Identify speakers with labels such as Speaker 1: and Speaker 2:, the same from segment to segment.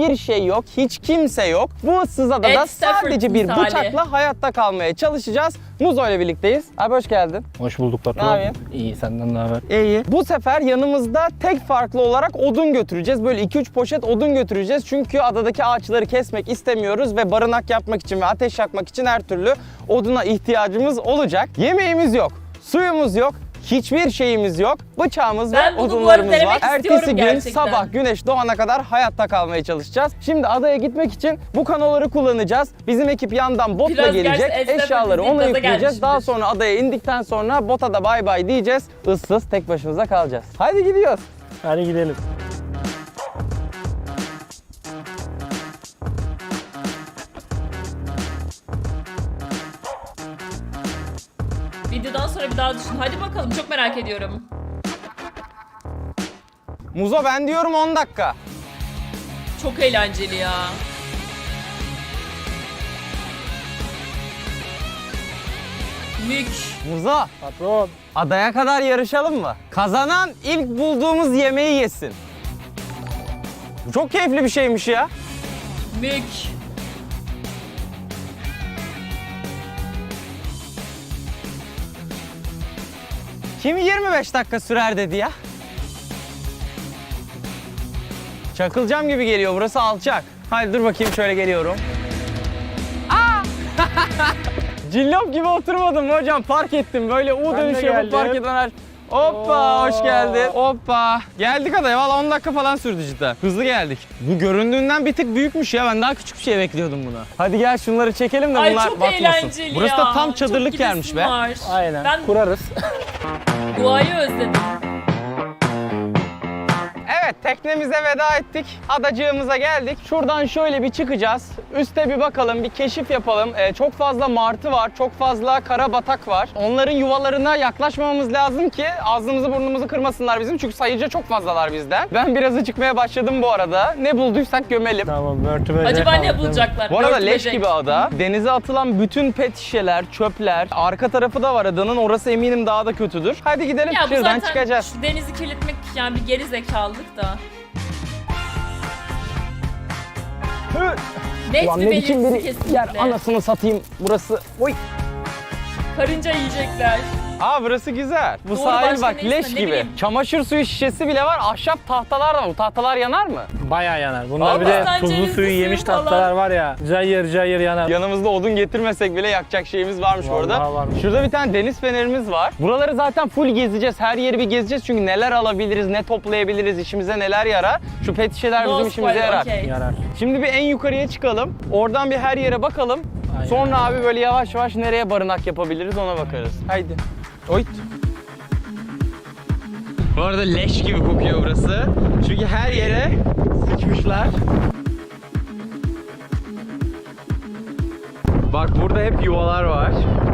Speaker 1: hiçbir şey yok, hiç kimse yok. Bu ıssız adada sadece bir bıçakla hayatta kalmaya çalışacağız. Muzo ile birlikteyiz. Abi hoş geldin.
Speaker 2: Hoş bulduk Batu.
Speaker 1: Ne yapıyorsun?
Speaker 2: İyi, senden ne haber?
Speaker 1: İyi. Bu sefer yanımızda tek farklı olarak odun götüreceğiz. Böyle 2-3 poşet odun götüreceğiz. Çünkü adadaki ağaçları kesmek istemiyoruz ve barınak yapmak için ve ateş yakmak için her türlü oduna ihtiyacımız olacak. Yemeğimiz yok, suyumuz yok. Hiçbir şeyimiz yok. Bıçağımız ve odunlarımız var. Ertesi gün sabah güneş doğana kadar hayatta kalmaya çalışacağız. Şimdi adaya gitmek için bu kanoları kullanacağız. Bizim ekip yandan botla gelecek. Eşyaları ona yükleyeceğiz. Daha sonra adaya indikten sonra bota da bay bay diyeceğiz. Issız tek başımıza kalacağız. Haydi gidiyoruz.
Speaker 2: Hadi gidelim.
Speaker 3: Videodan sonra bir daha düşün. Hadi bakalım, çok merak ediyorum.
Speaker 1: Muzo ben diyorum 10 dakika.
Speaker 3: Çok eğlenceli ya. Mük.
Speaker 1: Muzo
Speaker 2: Patron.
Speaker 1: adaya kadar yarışalım mı? Kazanan ilk bulduğumuz yemeği yesin. Bu çok keyifli bir şeymiş ya.
Speaker 3: Mük.
Speaker 1: Kim 25 dakika sürer dedi ya? Çakılacağım gibi geliyor. Burası alçak. Haydi dur bakayım şöyle geliyorum. Aa! Cillop gibi oturmadım hocam. Park ettim. Böyle U dönüşü yapıp park eden her... Hoppa hoş geldin. Hoppa. Geldik adaya. Valla 10 dakika falan sürdü cidden. Hızlı geldik. Bu göründüğünden bir tık büyükmüş ya. Ben daha küçük bir şey bekliyordum buna. Hadi gel şunları çekelim de
Speaker 3: Ay
Speaker 1: bunlar
Speaker 3: çok
Speaker 1: batmasın.
Speaker 3: eğlenceli
Speaker 1: Burası
Speaker 3: ya.
Speaker 1: da tam çadırlık
Speaker 3: Çok
Speaker 1: yermiş
Speaker 3: gidesim
Speaker 1: be.
Speaker 3: var.
Speaker 2: Aynen.
Speaker 3: Ben
Speaker 2: Kurarız.
Speaker 3: doğayı özledim.
Speaker 1: Evet, teknemize veda ettik. Adacığımıza geldik. Şuradan şöyle bir çıkacağız. Üste bir bakalım, bir keşif yapalım. Çok fazla martı var, çok fazla karabatak var. Onların yuvalarına yaklaşmamamız lazım ki ağzımızı burnumuzu kırmasınlar bizim. Çünkü sayıca çok fazlalar bizden. Ben biraz acıkmaya başladım bu arada. Ne bulduysak gömelim.
Speaker 2: Tamam, börtü böcek.
Speaker 3: Acaba ne
Speaker 2: aldım.
Speaker 3: bulacaklar?
Speaker 1: Bu arada
Speaker 3: Örtü
Speaker 1: leş
Speaker 3: böcek.
Speaker 1: gibi ada. Denize atılan bütün pet şişeler, çöpler. Arka tarafı da var adanın. Orası eminim daha da kötüdür. Hadi gidelim,
Speaker 3: Ya bu
Speaker 1: şuradan
Speaker 3: zaten
Speaker 1: çıkacağız.
Speaker 3: şu denizi kirletmek yani bir geri zekalılık da. Net
Speaker 1: Ulan
Speaker 3: bir
Speaker 1: ne biçim
Speaker 3: belirtisi
Speaker 1: bir
Speaker 3: kesinlikle.
Speaker 1: yer, anasını satayım burası. Oy.
Speaker 3: Karınca yiyecekler.
Speaker 1: Aa burası güzel. Bu
Speaker 3: Doğru,
Speaker 1: sahil
Speaker 3: başka
Speaker 1: bak
Speaker 3: ne
Speaker 1: leş
Speaker 3: ismi, ne
Speaker 1: gibi.
Speaker 3: bileyim.
Speaker 1: Çamaşır suyu şişesi bile var. Ahşap tahtalar da var. Bu tahtalar yanar mı?
Speaker 2: Bayağı yanar. Bunlar bir
Speaker 1: Vallahi.
Speaker 2: de
Speaker 3: Sen
Speaker 2: tuzlu
Speaker 3: cevizli
Speaker 2: suyu
Speaker 3: suyu
Speaker 2: yemiş
Speaker 3: falan.
Speaker 2: tatlılar var ya. Cayır cayır yanar.
Speaker 1: Yanımızda odun getirmesek bile yakacak şeyimiz varmış orada.
Speaker 2: Vallahi varmış.
Speaker 1: Şurada bir tane deniz fenerimiz var. Buraları zaten full gezeceğiz. Her yeri bir gezeceğiz. Çünkü neler alabiliriz, ne toplayabiliriz, işimize neler yarar. Şu pet şişeler bizim
Speaker 3: No
Speaker 1: işimize
Speaker 3: spoiler,
Speaker 1: yarar.
Speaker 3: okey.
Speaker 2: Yarar.
Speaker 1: Şimdi bir en yukarıya çıkalım. Oradan bir her yere bakalım.
Speaker 2: Aynen.
Speaker 1: Sonra abi böyle yavaş yavaş nereye barınak yapabiliriz ona bakarız. Haydi. Oyt. Bu arada leş gibi kokuyor burası. Çünkü her yere sıçmışlar. Bak burada hep yuvalar var.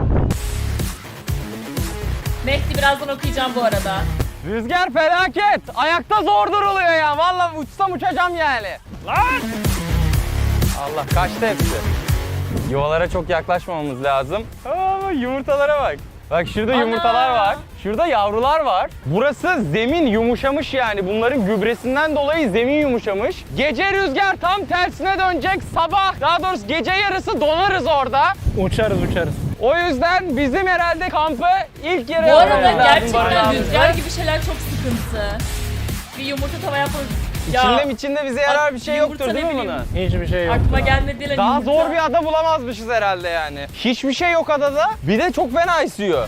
Speaker 3: Mehdi birazdan okuyacağım bu arada.
Speaker 1: Rüzgar felaket. Ayakta zor duruluyor ya. Vallahi uçsam uçacağım yani. Lan! Allah kaçtı hepsi. Yuvalara çok yaklaşmamamız lazım. Aa, yumurtalara bak. Bak şurada
Speaker 3: Ana!
Speaker 1: yumurtalar var. Şurada yavrular var. Burası zemin yumuşamış yani. Bunların gübresinden dolayı zemin yumuşamış. Gece rüzgar tam tersine dönecek. Sabah daha doğrusu gece yarısı donarız orada.
Speaker 2: Uçarız.
Speaker 1: O yüzden bizim herhalde kampı ilk yere
Speaker 3: Bu arada
Speaker 1: yapmamız lazım
Speaker 3: gerçekten
Speaker 1: barınağımızda.
Speaker 3: rüzgar gibi şeyler çok sıkıntı. Bir yumurta tava yapmamız...
Speaker 1: İçinde bize yarar bir şey
Speaker 3: yumurta
Speaker 1: yoktur değil
Speaker 3: ne
Speaker 1: mi
Speaker 3: bileyim.
Speaker 1: buna?
Speaker 2: Hiçbir şey yok.
Speaker 3: Aklıma gelmedi lan
Speaker 1: Daha
Speaker 3: yumurta.
Speaker 1: zor bir ada bulamazmışız herhalde yani. Hiçbir şey yok adada. Bir de çok fena esiyor.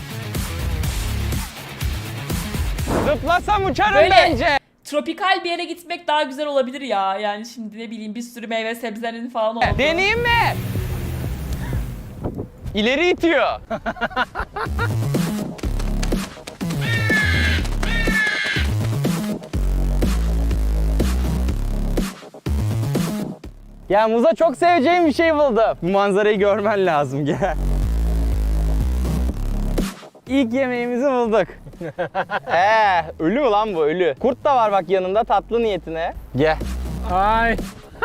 Speaker 1: Zıplasam uçarım
Speaker 3: Böyle
Speaker 1: bence.
Speaker 3: tropikal bir yere gitmek daha güzel olabilir ya. Yani şimdi ne bileyim bir sürü meyve sebzenin falan oldu.
Speaker 1: Deneyeyim mi? İleri itiyor. Ya Muza çok seveceğim bir şey buldum. Bu manzarayı görmen lazım gel. İlk yemeğimizi bulduk. Ölü mü lan bu ölü? Kurt da var bak yanında tatlı niyetine. Gel.
Speaker 2: Ay.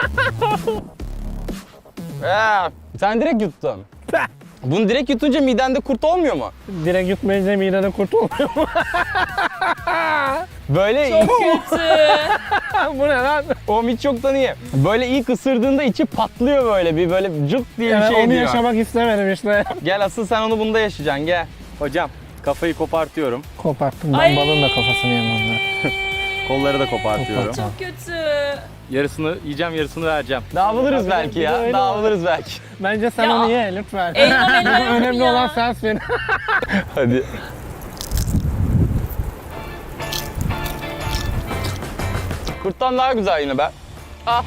Speaker 1: Sen direkt yuttun. Bunu direkt yutunca midende kurt olmuyor mu?
Speaker 2: Direkt yutmayınca midede kurt olmuyor mu?
Speaker 1: Böyle
Speaker 3: Çok kötü.
Speaker 2: Bu ne lan?
Speaker 1: o hiç yoktan iyi. Böyle ilk ısırdığında içi patlıyor böyle bir böyle cırt diye bir
Speaker 2: Evet,
Speaker 1: şey
Speaker 2: onu
Speaker 1: diyor.
Speaker 2: yaşamak istemedim işte.
Speaker 1: Gel asıl sen onu bunda yaşayacaksın gel. Hocam kafayı kopartıyorum.
Speaker 2: Koparttım
Speaker 3: Ay.
Speaker 2: ben balığın da kafasını yemem ben.
Speaker 1: Kolları da kopartıyorum.
Speaker 3: Çok kötü.
Speaker 1: Yarısını yiyeceğim yarısını vereceğim. Dağılırız belki
Speaker 2: bir de
Speaker 1: ya.
Speaker 2: öyle
Speaker 1: Dağılırız belki.
Speaker 2: Bence sen
Speaker 3: Ya.
Speaker 2: onu ye lütfen.
Speaker 3: Eyvah,
Speaker 2: Önemli
Speaker 3: ya.
Speaker 2: olan sensin.
Speaker 1: Hadi. Kurttan daha güzel yine be. Ah.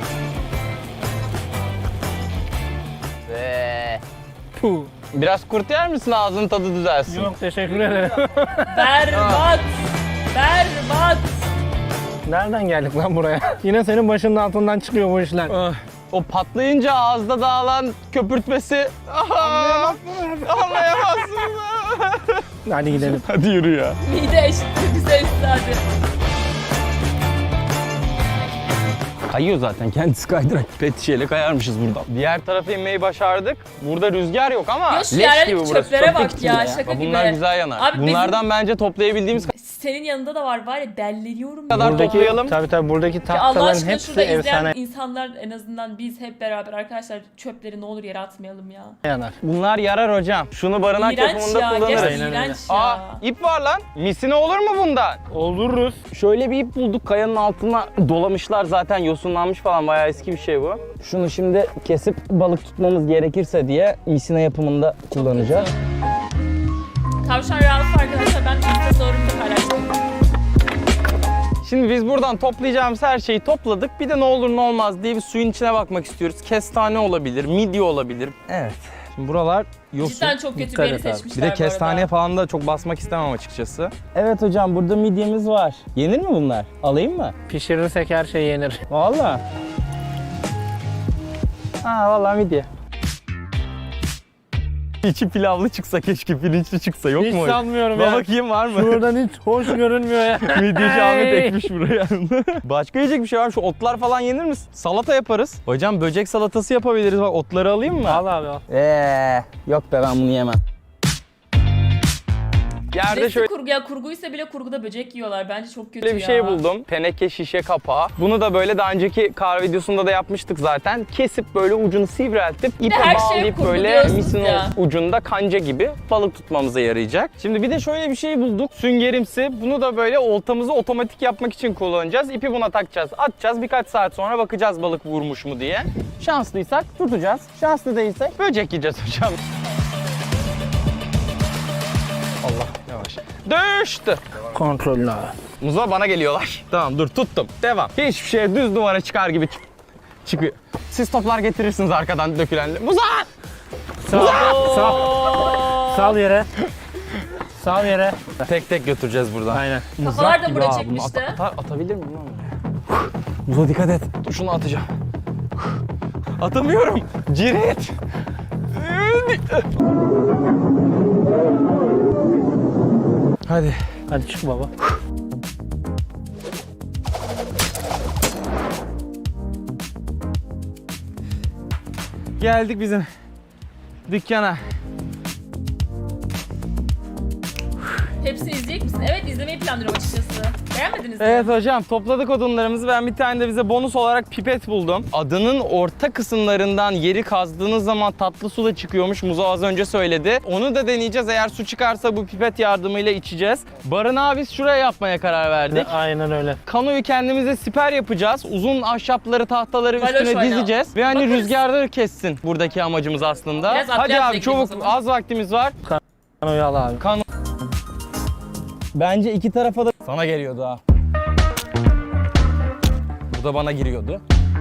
Speaker 2: Puh.
Speaker 1: Biraz kurt yer misin ağzının tadı düzelsin?
Speaker 2: Yok teşekkür ederim.
Speaker 3: Berbat. Berbat.
Speaker 2: Nereden geldik lan buraya? Yine senin başının altından çıkıyor bu işler.
Speaker 1: Ah. O patlayınca ağızda dağılan köpürtmesi. Anlayamazsın.
Speaker 2: Hadi gidelim.
Speaker 1: Hadi yürü ya.
Speaker 3: Mide eşittir bize üstadı.
Speaker 1: Kayıyor zaten kendisi kaydırak. Pet şişeyle kayarmışız buradan. Diğer tarafa inmeyi başardık. Burada rüzgar yok ama
Speaker 3: Ya şu
Speaker 1: leş
Speaker 3: yerlerdeki
Speaker 1: gibi burası.
Speaker 3: çöplere bak
Speaker 1: Çöplük
Speaker 3: ya,
Speaker 1: gibi
Speaker 3: şaka
Speaker 1: Bak
Speaker 3: gibi.
Speaker 1: Bunlar güzel yanar.
Speaker 3: Abi bizim-
Speaker 1: Bunlardan bence toplayabildiğimiz
Speaker 3: Senin yanında da var ya, delleniyorum.
Speaker 1: kadar
Speaker 3: ya.
Speaker 1: toplayalım.
Speaker 2: Tabii buradaki
Speaker 3: Ya Allah
Speaker 2: tahtaların
Speaker 3: aşkına
Speaker 2: hepsi
Speaker 3: şurada izleyen
Speaker 2: efsane
Speaker 3: insanlar, en azından biz hep beraber arkadaşlar çöpleri ne olur yere atmayalım ya.
Speaker 2: yanar.
Speaker 1: Bunlar yarar hocam. Şunu barınak
Speaker 3: İğrenç
Speaker 1: yapımında
Speaker 3: ya,
Speaker 1: kullanırız.
Speaker 3: gerçekten
Speaker 2: Aynen öyle.
Speaker 3: iğrenç ya.
Speaker 1: Aa ip var lan. Misine olur mu bundan?
Speaker 2: Oluruz.
Speaker 1: Şöyle bir ip bulduk. Kayanın altına dolamışlar zaten yosunlanmış falan. Bayağı eski bir şey bu. Şunu şimdi kesip balık tutmamız gerekirse diye misine yapımında kullanacağız.
Speaker 3: Tavşan Ralph arkadaşlar, ben Insta story'imde paylaştım.
Speaker 1: Şimdi biz buradan toplayacağımız her şeyi topladık. Bir de ne olur ne olmaz diye bir suyun içine bakmak istiyoruz. Kestane olabilir, midye olabilir. Evet. Şimdi buralar yosun.
Speaker 3: Cidden çok kötü bir
Speaker 2: Dikkat
Speaker 3: yeri
Speaker 2: et abi.
Speaker 3: seçmişler
Speaker 1: Bir de
Speaker 3: bu
Speaker 1: kestaneye
Speaker 3: arada.
Speaker 1: falan da çok basmak istemem açıkçası. Evet hocam burada midyemiz var. Yenir mi bunlar? Alayım mı?
Speaker 2: Pişirirsek her şey yenir.
Speaker 1: Vallahi. Ha vallahi midye. İçi pilavlı çıksa keşke, pirinçli çıksa yok
Speaker 2: Hiç
Speaker 1: mu?
Speaker 2: sanmıyorum
Speaker 1: Bak
Speaker 2: ya.
Speaker 1: bakayım var mı?
Speaker 2: Şuradan hiç hoş görünmüyor ya.
Speaker 1: Midyeci Ahmet
Speaker 2: Hey.
Speaker 1: ekmiş buraya. Başka yiyecek bir şey var mı? Şu otlar falan yenir mi? Salata yaparız. Hocam böcek salatası yapabiliriz. Bak otları alayım mı?
Speaker 2: Al abi al.
Speaker 1: Yok be ben bunu yemem. Yerde
Speaker 3: Nesi
Speaker 1: şöyle
Speaker 3: kurgu ya, kurguysa bile kurguda böcek yiyorlar. Bence çok kötü
Speaker 1: bir
Speaker 3: ya.
Speaker 1: şey buldum. Teneke şişe kapağı. Bunu da böyle daha önceki kar videosunda da yapmıştık zaten. Kesip böyle ucunu sivriltip ipe
Speaker 3: her şeye
Speaker 1: bağlayıp
Speaker 3: kurgu
Speaker 1: böyle
Speaker 3: diyorsunuz
Speaker 1: misin
Speaker 3: ya.
Speaker 1: ucunda kanca gibi balık tutmamıza yarayacak. Şimdi bir de şöyle bir şey bulduk. Süngerimsi. Bunu da böyle oltamızı otomatik yapmak için kullanacağız. İpi buna takacağız. Atacağız. Birkaç saat sonra bakacağız balık vurmuş mu diye. Şanslıysak tutacağız. Şanslı değilsek böcek yiyeceğiz hocam. Allah yavaş. Düştü.
Speaker 2: Kontrollü abi.
Speaker 1: Muza bana geliyorlar. Tamam dur tuttum. Devam. Hiçbir şey düz duvara çıkar gibi çıkıyor. Siz toplar getirirsiniz arkadan dökülenle. Muza!
Speaker 2: Sağ Sal yere. Sal yere.
Speaker 1: Tek tek götüreceğiz buradan.
Speaker 2: Aynen.
Speaker 3: Kafalar da buraya
Speaker 1: Aa, bunu
Speaker 3: çekmişti.
Speaker 1: atabilir miyim lan buraya? Muza dikkat et. Dur şunu atacağım. Atamıyorum. Cirit. Hadi.
Speaker 2: Hadi çık baba.
Speaker 1: Geldik bizim dükkana.
Speaker 3: Hepsini izleyecek misin? Evet, izlemeyi planlıyorum açıkçası. Beğenmediniz mi?
Speaker 1: Evet hocam topladık odunlarımızı. Ben bir tane de bize bonus olarak pipet buldum. Adının orta kısımlarından yeri kazdığınız zaman tatlı su da çıkıyormuş. Muzo az önce söyledi. Onu da deneyeceğiz. Eğer su çıkarsa bu pipet yardımıyla içeceğiz. Barınağı biz şuraya yapmaya karar verdik.
Speaker 2: Aynen öyle.
Speaker 1: Kanoyu kendimize siper yapacağız. Uzun ahşapları, tahtaları
Speaker 3: Baloş
Speaker 1: üstüne
Speaker 3: oyna.
Speaker 1: dizeceğiz. Ve hani
Speaker 3: Bakarız.
Speaker 1: rüzgarları kessin buradaki amacımız aslında.
Speaker 3: Biraz
Speaker 1: Hadi
Speaker 3: atlayalım
Speaker 1: abi
Speaker 3: bekleyelim o
Speaker 1: çabuk,
Speaker 3: zaman.
Speaker 1: az vaktimiz var.
Speaker 2: Kanoyu al abi.
Speaker 1: Bence iki tarafa da sana geliyordu ha. Bu da bana giriyordu.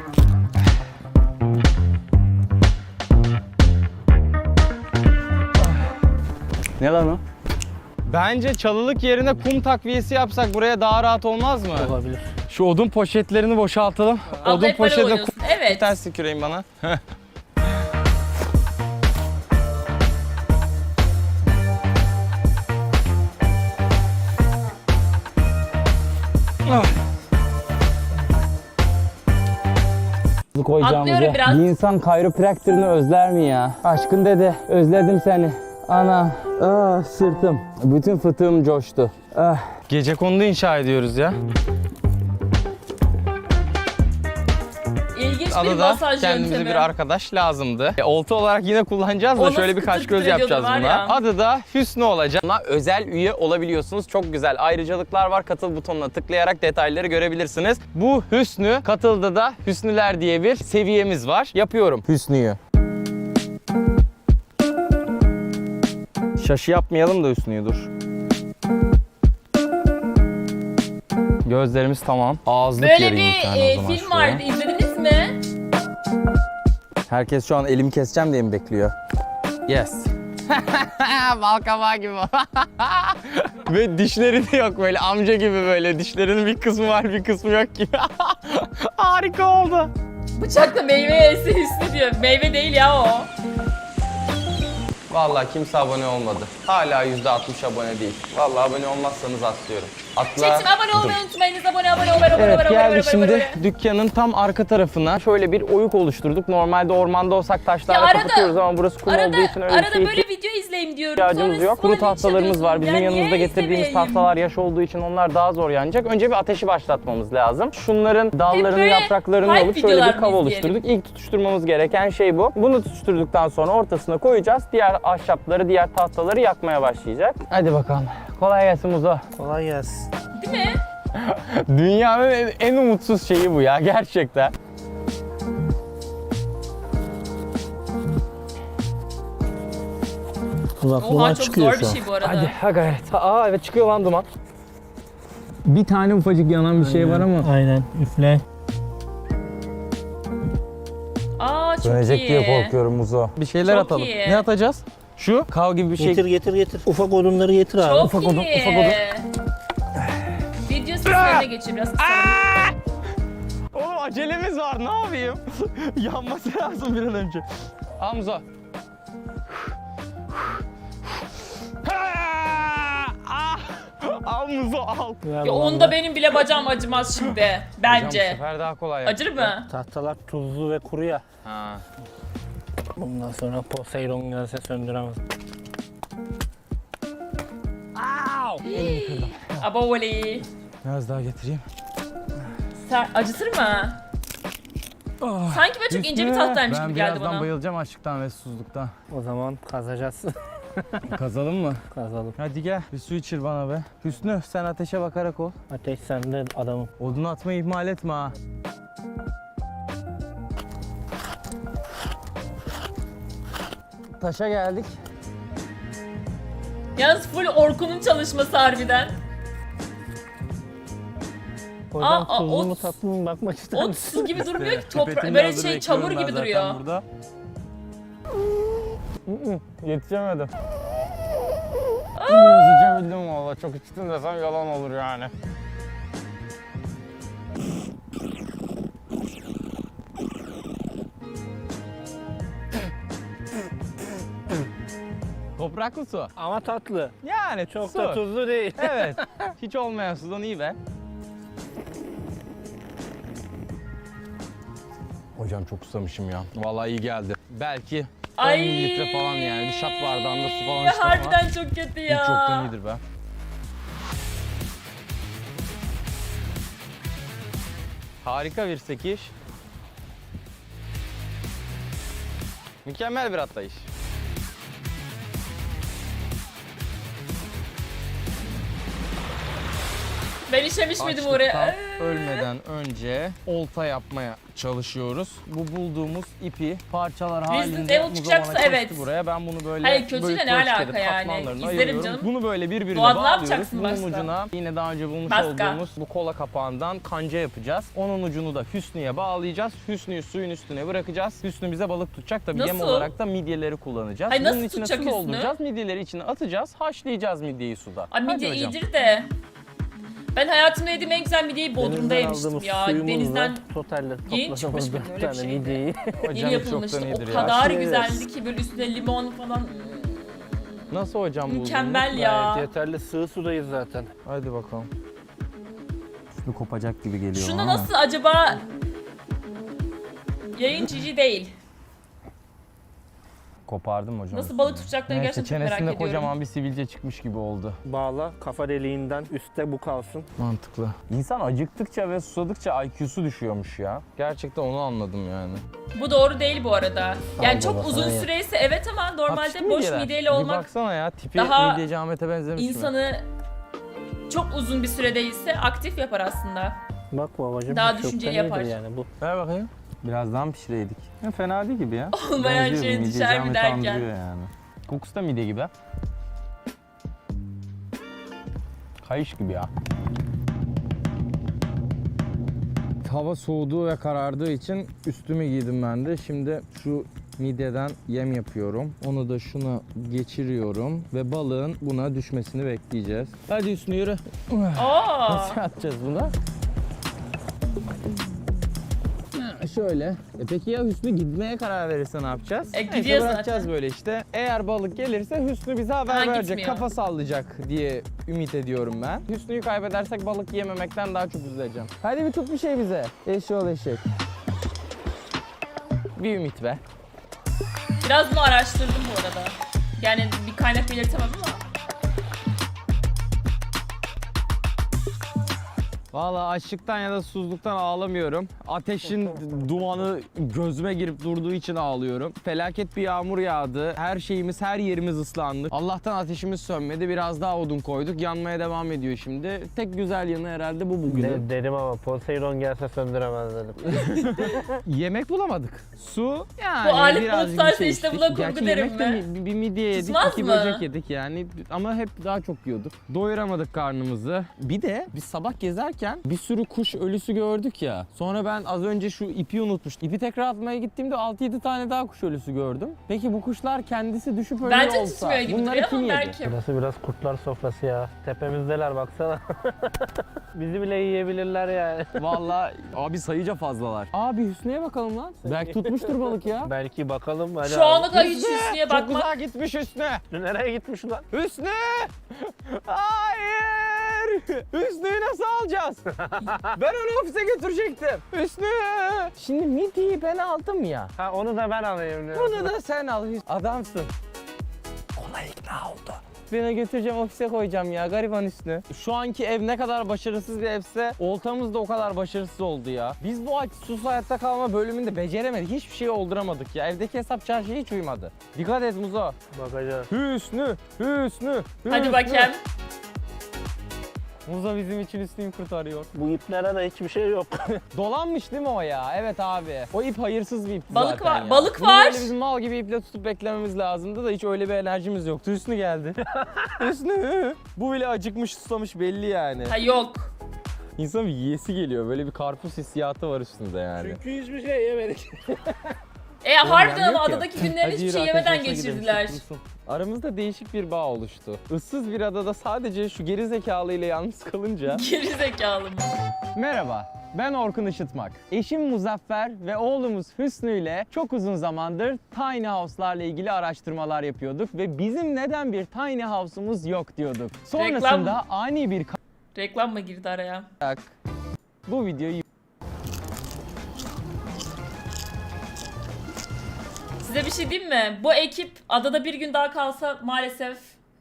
Speaker 1: Ne lan o? Bence çalılık yerine kum takviyesi yapsak buraya daha rahat olmaz mı?
Speaker 2: Olabilir.
Speaker 1: Şu odun poşetlerini boşaltalım.
Speaker 3: Abla
Speaker 1: Odun
Speaker 3: hep böyle
Speaker 1: poşetine
Speaker 3: oynuyorsun. Evet.
Speaker 1: ters tüküreyim bana. Heh. Ah.
Speaker 3: Atlıyorum biraz.
Speaker 1: Bir insan kayropraktörünü özler mi ya? Aşkın dede, özledim seni. Ana, sırtım. Bütün fıtığım coştu. Gecekondu inşa ediyoruz ya.
Speaker 3: İlginç bir
Speaker 1: Adada
Speaker 3: masaj
Speaker 1: kendimize
Speaker 3: yöntemi.
Speaker 1: bir arkadaş lazımdı. Olta olarak yine kullanacağız da
Speaker 3: O
Speaker 1: şöyle
Speaker 3: nasıl
Speaker 1: bir kaş
Speaker 3: kıtır
Speaker 1: göz
Speaker 3: kıtır
Speaker 1: yapacağız
Speaker 3: ediyordu var
Speaker 1: buna.
Speaker 3: ya.
Speaker 1: Adı da Hüsnü olacak. Buna özel üye olabiliyorsunuz. Çok güzel ayrıcalıklar var. Katıl butonuna tıklayarak detayları görebilirsiniz. Bu Hüsnü, Katıl'da da Hüsnüler diye bir seviyemiz var. Yapıyorum Hüsnü'yü. Şaşı yapmayalım da Hüsnü'yü dur. Gözlerimiz tamam. Ağızlık
Speaker 3: Böyle
Speaker 1: yereyim
Speaker 3: bir
Speaker 1: tane o zaman
Speaker 3: film
Speaker 1: şuraya.
Speaker 3: vardı, izlediniz mi?
Speaker 1: Herkes şu an elimi keseceğim diye mi bekliyor? Yes. Bal kabağı gibi. Ve dişleri de yok böyle amca gibi böyle. Dişlerinin bir kısmı var bir kısmı yok gibi. Harika oldu.
Speaker 3: Bıçakla meyve yesi Hüsnü diyor. Meyve değil ya o.
Speaker 1: Vallahi kimse abone olmadı. Hala %60 abone değil. Vallahi abone olmazsanız atlıyorum. Atla.
Speaker 3: Çetim abone olmayı unutmayınız. Abone.
Speaker 1: Evet geldik şimdi dükkanın tam arka tarafına. Şöyle bir oyuk oluşturduk. Normalde ormanda olsak taşlarla
Speaker 3: Ya arada-
Speaker 1: kapatıyoruz ama burası kum olduğu için öyle bir
Speaker 3: Arada
Speaker 1: şey
Speaker 3: böyle video izleyeyim diyorum.
Speaker 1: ihtiyacımız yok. Kuru tahtalarımız var. Bizim
Speaker 3: Yani
Speaker 1: yanımızda
Speaker 3: niye
Speaker 1: getirdiğimiz
Speaker 3: izlemeyeyim?
Speaker 1: tahtalar yaş olduğu için onlar daha zor yanacak. Önce bir ateşi başlatmamız lazım. Şunların dallarını,
Speaker 3: böyle
Speaker 1: yapraklarını
Speaker 3: hype
Speaker 1: alıp şöyle
Speaker 3: videolar
Speaker 1: bir
Speaker 3: mı
Speaker 1: kav
Speaker 3: izleyelim?
Speaker 1: oluşturduk. İlk tutuşturmamız gereken şey bu. Bunu tutuşturduktan sonra ortasına koyacağız. Diğer ahşapları, diğer tahtaları yakmaya başlayacak. Hadi bakalım. Kolay gelsin Muzo.
Speaker 2: Kolay gelsin.
Speaker 3: Değil mi?
Speaker 1: Dünyanın en umutsuz şeyi bu ya gerçekten.
Speaker 2: Bak
Speaker 3: Oha
Speaker 2: duman
Speaker 3: çok
Speaker 2: çıkıyor
Speaker 3: zor bir
Speaker 2: şu an.
Speaker 3: şey bu arada.
Speaker 1: Hadi ha gayret. Aa evet çıkıyor lan duman. Bir tane ufacık yanan bir şey var ama.
Speaker 2: Aynen üfle.
Speaker 3: Aa çok
Speaker 1: Dönecek
Speaker 3: iyi.
Speaker 1: diye korkuyorum Muzo. Bir şeyler
Speaker 3: Çok
Speaker 1: atalım.
Speaker 3: iyi.
Speaker 1: Ne atacağız? Şu kav gibi bir şey.
Speaker 2: Getir. Ufak odunları getir abi.
Speaker 3: Çok
Speaker 1: Ufak
Speaker 3: iyi.
Speaker 1: odun, ufak odun.
Speaker 3: Video seslerine geçiyor biraz kısa.
Speaker 1: Oğlum acelemiz var ne yapayım? Yanması lazım bir an önce. Al Muzo. Al Muzo al.
Speaker 3: Ya onda benim bile bacağım acımaz şimdi.
Speaker 1: Hocam bu
Speaker 3: Bence.
Speaker 1: sefer daha kolay yaptık
Speaker 3: Acır
Speaker 1: ya.
Speaker 3: mı?
Speaker 2: Tahtalar tuzlu ve kuru ya.
Speaker 1: Ha.
Speaker 2: Bundan sonra Poseidon gelse söndüremez.
Speaker 3: Abovoli.
Speaker 1: Biraz daha getireyim.
Speaker 3: Acıtır mı? Sanki böyle çok ince bir tahtaymış gibi geldi
Speaker 1: Ben birazdan
Speaker 3: bana.
Speaker 1: bayılacağım açlıktan ve susuzluktan.
Speaker 2: O zaman kazacağız.
Speaker 1: Kazalım mı?
Speaker 2: Kazalım.
Speaker 1: Hadi gel bir su içir bana be. Hüsnü sen ateşe bakarak ol.
Speaker 2: Ateş sende adamım.
Speaker 1: Odunu atmayı ihmal etme ha. Taşa geldik.
Speaker 3: Yalnız full Orkun'un çalışması harbiden.
Speaker 2: Hocam
Speaker 3: Aa,
Speaker 2: tuzlu
Speaker 3: ot-
Speaker 2: mu tatlı mı bakmak ister
Speaker 3: O
Speaker 2: misin?
Speaker 3: tuz gibi durmuyor ki toprak.
Speaker 1: Pipetini
Speaker 3: Böyle
Speaker 1: hazır
Speaker 3: şey
Speaker 1: bekliyorum
Speaker 3: çamur
Speaker 1: ben
Speaker 3: gibi
Speaker 1: zaten
Speaker 3: duruyor.
Speaker 1: burada. Yetişemedim. Biraz içebildim valla. Çok içtim desem yalan olur yani. Topraklı su.
Speaker 2: Ama tatlı.
Speaker 1: Yani
Speaker 2: Çok
Speaker 1: su.
Speaker 2: da tuzlu değil.
Speaker 1: Evet. Hiç olmayan sudan iyi be. Hocam çok susamışım ya. Vallahi iyi geldi. Belki 10
Speaker 3: Ay.
Speaker 1: mililitre falan yani. Bir şat bardağında su falan içtim ama
Speaker 3: Harbiden çok kötü ya.
Speaker 1: hiç çoktan iyidir be. Harika bir sekiş. Mükemmel bir atlayış.
Speaker 3: Ben işemiş miydim
Speaker 1: Açlıktan
Speaker 3: oraya?
Speaker 1: ölmeden önce olta yapmaya çalışıyoruz. Bu bulduğumuz ipi parçalar
Speaker 3: Resident
Speaker 1: halinde
Speaker 3: Evil
Speaker 1: Muzo
Speaker 3: çıkacaksa
Speaker 1: bana kesti
Speaker 3: evet.
Speaker 1: buraya. Ben bunu böyle
Speaker 3: Hayır, kötüyle
Speaker 1: bölük
Speaker 3: ne
Speaker 1: bölük
Speaker 3: alaka
Speaker 1: edip
Speaker 3: yani?
Speaker 1: katmanlarına
Speaker 3: İzlerim
Speaker 1: ayırıyorum.
Speaker 3: canım.
Speaker 1: Bunu böyle birbirine
Speaker 3: Doğada ne
Speaker 1: bağlıyoruz.
Speaker 3: yapacaksın
Speaker 1: Bunun
Speaker 3: başta?
Speaker 1: ucuna yine daha önce bulmuş
Speaker 3: Baska.
Speaker 1: olduğumuz bu kola kapağından kanca yapacağız. Onun ucunu da Hüsnü'ye bağlayacağız. Hüsnü'yü suyun üstüne bırakacağız. Hüsnü bize balık tutacak. Tabii yem
Speaker 3: Nasıl?
Speaker 1: olarak da midyeleri kullanacağız.
Speaker 3: Hayır, nasıl
Speaker 1: Bunun içine
Speaker 3: tutacak
Speaker 1: su
Speaker 3: Hüsnü?
Speaker 1: dolduracağız. Midyeleri içine atacağız. Haşlayacağız midyeyi suda.
Speaker 3: Ay
Speaker 1: Hadi
Speaker 3: midye
Speaker 1: hocam.
Speaker 3: iyidir de. Ben hayatımda yediğim en güzel midyeyi Bodrum'da
Speaker 2: Denizden
Speaker 3: yemiştim
Speaker 2: aldığımız
Speaker 3: ya.
Speaker 2: suyumuzla
Speaker 3: Denizden
Speaker 2: totalde
Speaker 3: yeni çıkmış
Speaker 2: topladığımız
Speaker 3: mıydı
Speaker 2: 4
Speaker 3: öyle bir
Speaker 2: tane
Speaker 3: şeydi?
Speaker 2: midyeyi.
Speaker 3: yeni
Speaker 1: Hocam
Speaker 3: yapılmıştı.
Speaker 1: çoktan
Speaker 3: O
Speaker 1: iyidir ya.
Speaker 3: kadar
Speaker 2: Aşırı
Speaker 3: güzeldi ki böyle üstüne limon falan.
Speaker 1: Nasıl hocam buldun?
Speaker 3: Mükemmel ya.
Speaker 2: Gayet yeterli sığ sudayız zaten.
Speaker 1: Hadi bakalım. Üstü kopacak gibi geliyor
Speaker 3: Şunu
Speaker 1: ama.
Speaker 3: nasıl acaba yayın cici değil.
Speaker 1: Kopardım hocam.
Speaker 3: Nasıl balık tutacaklarını
Speaker 1: Neyse,
Speaker 3: gerçekten çok merak
Speaker 1: çenesinde
Speaker 3: ediyorum.
Speaker 1: kocaman bir sivilce çıkmış gibi oldu.
Speaker 2: Bağla kafa deliğinden üstte bu kalsın.
Speaker 1: Mantıklı. İnsan acıktıkça ve susadıkça IQ'su düşüyormuş ya. Gerçekten onu anladım yani.
Speaker 3: Bu doğru değil bu arada. Yani
Speaker 2: Al
Speaker 3: çok
Speaker 2: baba,
Speaker 3: uzun
Speaker 2: sana ye.
Speaker 3: süreyse evet ama
Speaker 1: Hapşi
Speaker 3: normalde boş
Speaker 1: midyeler.
Speaker 3: mideyle
Speaker 1: Bir
Speaker 3: olmak
Speaker 1: baksana ya, tipi
Speaker 3: daha
Speaker 1: midyeci Ahmet'e benzemiş mi?
Speaker 3: insanı çok uzun bir süre değilse aktif yapar aslında.
Speaker 2: Bak babacığım.
Speaker 3: Daha
Speaker 2: bu
Speaker 3: düşünceli
Speaker 2: köften iyidir
Speaker 3: yapar.
Speaker 2: Yani bu.
Speaker 1: Ver bakayım. Birazdan pişireydik. Ya fena değil gibi ya.
Speaker 3: Olmayan
Speaker 1: Benziyor,
Speaker 3: şey
Speaker 1: midyeci
Speaker 3: düşer mi
Speaker 1: Ahmet'i
Speaker 3: derken.
Speaker 1: andırıyor yani. Kokusu da midye gibi. Kayış gibi ya. Hava soğuduğu ve karardığı için üstümü giydim ben de. Şimdi şu midyeden yem yapıyorum. Onu da şuna geçiriyorum ve balığın buna düşmesini bekleyeceğiz. Hadi Hüsnü yürü.
Speaker 3: Aa,
Speaker 1: Nasıl atacağız bunu? Şöyle. Peki ya Hüsnü gitmeye karar verirse ne yapacağız? Neyse,
Speaker 3: gidiyor
Speaker 1: bırakacağız
Speaker 3: zaten.
Speaker 1: böyle işte. Eğer balık gelirse Hüsnü bize haber
Speaker 3: Ha,
Speaker 1: verecek,
Speaker 3: gitmiyor.
Speaker 1: kafa sallayacak diye ümit ediyorum ben. Hüsnü'yü kaybedersek balık yememekten daha çok üzüleceğim. Hadi bir tut bir şey bize. Eşol eşek. Bir ümit be.
Speaker 3: biraz bunu araştırdım bu arada. Yani bir kaynak belirtemem ama.
Speaker 1: Vallahi açlıktan ya da susuzluktan ağlamıyorum. Ateşin dumanı gözüme girip durduğu için ağlıyorum. Felaket bir yağmur yağdı. Her şeyimiz, her yerimiz ıslandı. Allah'tan ateşimiz sönmedi. Biraz daha odun koyduk. Yanmaya devam ediyor şimdi. Tek güzel yanı herhalde bu bugünün.
Speaker 2: Dedim ama Poseidon gelse söndüremez dedim.
Speaker 1: Yemek bulamadık. Su yani
Speaker 3: Bu alet
Speaker 1: birazcık
Speaker 3: bulutlarsa
Speaker 1: bir şey
Speaker 3: işte
Speaker 1: içtik.
Speaker 3: buna kurgu
Speaker 1: Gerçi
Speaker 3: derim
Speaker 1: yemek de
Speaker 3: ben.
Speaker 1: bir midye yedik,
Speaker 3: Tutmaz
Speaker 1: 2
Speaker 3: mı?
Speaker 1: böcek yedik yani. Ama hep daha çok yiyorduk. Doyuramadık karnımızı. Bir de biz sabah gezerken bir sürü kuş ölüsü gördük ya. Sonra ben az önce şu ipi unutmuştum. İpi tekrar atmaya gittiğimde 6-7 tane daha kuş ölüsü gördüm. Peki bu kuşlar kendisi düşüp ölüyor
Speaker 3: Bence
Speaker 1: olsa
Speaker 3: tutmuyor gibi
Speaker 1: bunları
Speaker 3: duruyor
Speaker 1: kim
Speaker 3: ama
Speaker 1: yedi?
Speaker 3: belki.
Speaker 2: Burası biraz kurtlar sofrası ya. Tepemizdeler baksana. Bizi bile yiyebilirler yani.
Speaker 1: Vallahi abi sayıca fazlalar. Abi Hüsnü'ye bakalım lan. Belki tutmuştur balık ya.
Speaker 2: Belki bakalım. Hadi
Speaker 3: Şu ana
Speaker 2: abi.
Speaker 3: kadar hiç Hüsnü'ye
Speaker 1: Çok
Speaker 3: bakmak.
Speaker 1: uzağa gitmiş Hüsnü.
Speaker 2: Nereye gitmiş lan?
Speaker 1: Hüsnü! Hayır! Hüsnü'yü nasıl alacağız? Ben onu ofise götürecektim. Hüsnü! Şimdi midyeyi ben aldım ya.
Speaker 2: Ha onu da ben alayım.
Speaker 1: Bunu da sen al Hüsnü. Adamsın. Kolay ikna oldu. Beni götüreceğim, ofise koyacağım ya, gariban Hüsnü. Şu anki ev ne kadar başarısız bir evse oltamız da o kadar başarısız oldu ya. Biz bu sus hayatta kalma bölümünde beceremedik. Hiçbir şeyi olduramadık ya. Evdeki hesap çarşıya hiç uymadı. Dikkat et Muzo.
Speaker 2: Bakacağız.
Speaker 1: Hüsnü, Hüsnü,
Speaker 3: Hadi
Speaker 1: Hüsnü.
Speaker 3: bakayım.
Speaker 1: Muzo bizim için Hüsnü'yü kurtarıyor.
Speaker 2: Bu iplere de hiçbir şey yok.
Speaker 1: Dolanmış değil mi o ya? Evet abi. O ip hayırsız bir ip
Speaker 3: Balık
Speaker 1: zaten
Speaker 3: var,
Speaker 1: ya.
Speaker 3: balık
Speaker 1: Bunu
Speaker 3: var.
Speaker 1: böyle bizim mal gibi iple tutup beklememiz lazımdı da hiç öyle bir enerjimiz yoktu. Hüsnü geldi. Hüsnü. Bu bile acıkmış, susamış belli yani.
Speaker 3: Ha yok.
Speaker 1: İnsanın bir yiyesi geliyor. Böyle bir karpuz hissiyatı var üstünde yani.
Speaker 2: Çünkü hiçbir şey yemedik.
Speaker 3: Harbiden
Speaker 1: yani
Speaker 3: ama
Speaker 1: yok ya.
Speaker 3: adadaki günlerini
Speaker 1: Hadi
Speaker 3: hiçbir
Speaker 1: yürü,
Speaker 3: şey
Speaker 1: ateş
Speaker 3: yemeden
Speaker 1: başına gidelim,
Speaker 3: geçirdiler.
Speaker 1: kurtulsun. Aramızda değişik bir bağ oluştu. Issız bir adada sadece şu geri zekalı ile yalnız kalınca...
Speaker 3: Geri zekalı mı?
Speaker 1: Merhaba, ben Orkun Işıtmak. Eşim Muzaffer ve oğlumuz Hüsnü ile çok uzun zamandır tiny house'larla ilgili araştırmalar yapıyorduk ve bizim neden bir tiny house'umuz yok diyorduk. Sonrasında ani bir
Speaker 3: Reklam mı girdi araya?
Speaker 1: kayak bu videoyu
Speaker 3: Size bir şey diyeyim mi? Bu ekip adada bir gün daha kalsa maalesef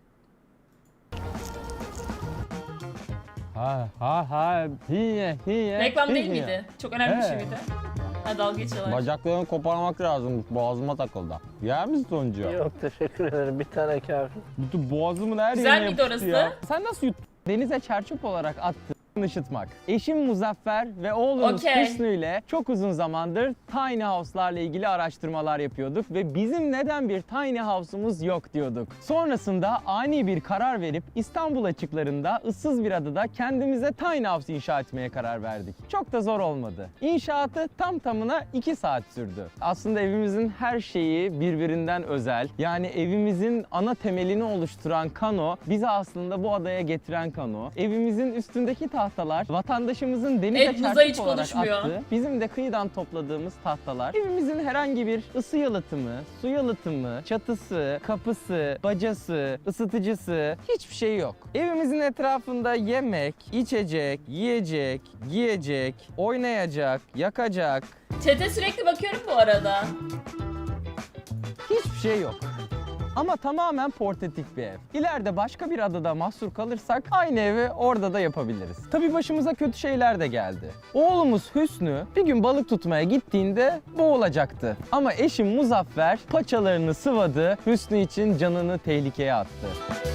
Speaker 3: reklam değil miydi? Çok önemli bir şey miydi? Ha dalga geçiyorlar.
Speaker 1: Bacaklarını koparmak lazım. Boğazıma takıldı. Yer misin sonuncu?
Speaker 2: Yok teşekkür ederim. Bir tane kafi.
Speaker 1: Bütün boğazımın her
Speaker 3: Güzel
Speaker 1: yerine
Speaker 3: miydi
Speaker 1: yapıştı
Speaker 3: orası?
Speaker 1: ya. Sen nasıl yuttun? Denize çerçöp olarak attı. Işıtmak. Eşim Muzaffer ve oğlumuz
Speaker 3: Okey.
Speaker 1: Hüsnü ile çok uzun zamandır tiny house'larla ilgili araştırmalar yapıyorduk ve bizim neden bir tiny house'umuz yok diyorduk. Sonrasında ani bir karar verip İstanbul açıklarında ıssız bir adada kendimize tiny house inşa etmeye karar verdik. Çok da zor olmadı. İnşaatı tam tamına 2 saat sürdü. Aslında evimizin her şeyi birbirinden özel. Yani evimizin ana temelini oluşturan kano bizi aslında bu adaya getiren kano. Evimizin üstündeki tahtalar vatandaşımızın denize
Speaker 3: Evet, Muza hiç
Speaker 1: çarpık olarak
Speaker 3: konuşmuyor.
Speaker 1: attığı, bizim de kıyıdan topladığımız tahtalar. Evimizin herhangi bir ısı yalıtımı, su yalıtımı, çatısı, kapısı, bacası, ısıtıcısı hiçbir şey yok. Evimizin etrafında yemek, içecek, yiyecek, giyecek, oynayacak, yakacak hiçbir şey yok. Ama tamamen portatif bir ev. İleride başka bir adada mahsur kalırsak aynı evi orada da yapabiliriz. Tabii başımıza kötü şeyler de geldi. Oğlumuz Hüsnü bir gün balık tutmaya gittiğinde boğulacaktı. Ama eşim Muzaffer paçalarını sıvadı, Hüsnü için canını tehlikeye attı.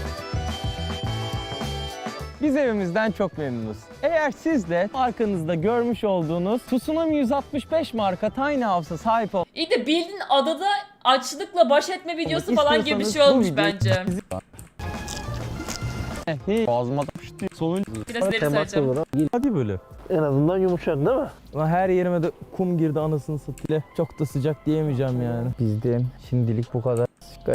Speaker 1: Biz evimizden çok memnunuz. Eğer siz de arkanızda görmüş olduğunuz Tsunami 165 marka Tiny House'a sahip
Speaker 3: İyi de bildiğin adada açlıkla baş etme videosu falan gibi bir şey
Speaker 1: İstiyorsanız bu
Speaker 3: olmuş
Speaker 1: videoyu
Speaker 3: bence.
Speaker 1: ağzıma tapıştı. Sonuncu.
Speaker 3: Biraz ileri saracağım.
Speaker 1: Hadi böyle.
Speaker 2: En azından yumuşak değil mi?
Speaker 1: Lan her yerime de kum girdi anasını satayım. Çok da sıcak diyemeyeceğim yani. Bizden şimdilik bu kadar.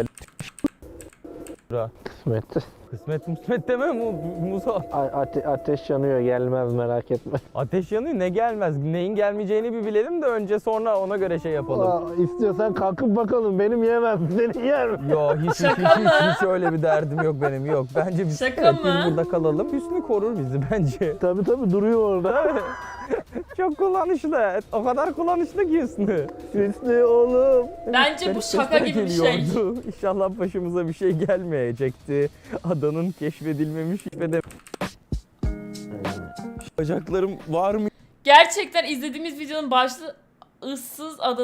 Speaker 2: Kısmet.
Speaker 1: Kısmet deme Musa.
Speaker 2: Ateş yanıyor, gelmez, merak etme.
Speaker 1: Ateş yanıyor, ne gelmez. Neyin gelmeyeceğini bir bilelim de önce sonra ona göre şey yapalım.
Speaker 2: İstiyorsan kalkıp bakalım, benim yemem, senin yer mi?
Speaker 1: Yo hiç öyle bir derdim yok benim, yok. Bence biz,
Speaker 3: Şaka mı?
Speaker 1: biz burada kalalım. Hüsnü korur bizi bence.
Speaker 2: Tabii duruyor orada.
Speaker 1: Çok kullanışlı. O kadar kullanışlı ki Hüsnü.
Speaker 2: Hüsnü oğlum.
Speaker 3: Bence bu
Speaker 1: Garip
Speaker 3: şaka
Speaker 1: sesler
Speaker 3: gibi bir şey.
Speaker 1: geliyordu. İnşallah başımıza bir şey gelmeyecekti. Adanın keşfedilmemiş ve de... Bacaklarım var mı?
Speaker 3: Gerçekten izlediğimiz videonun başlığı ıssız ada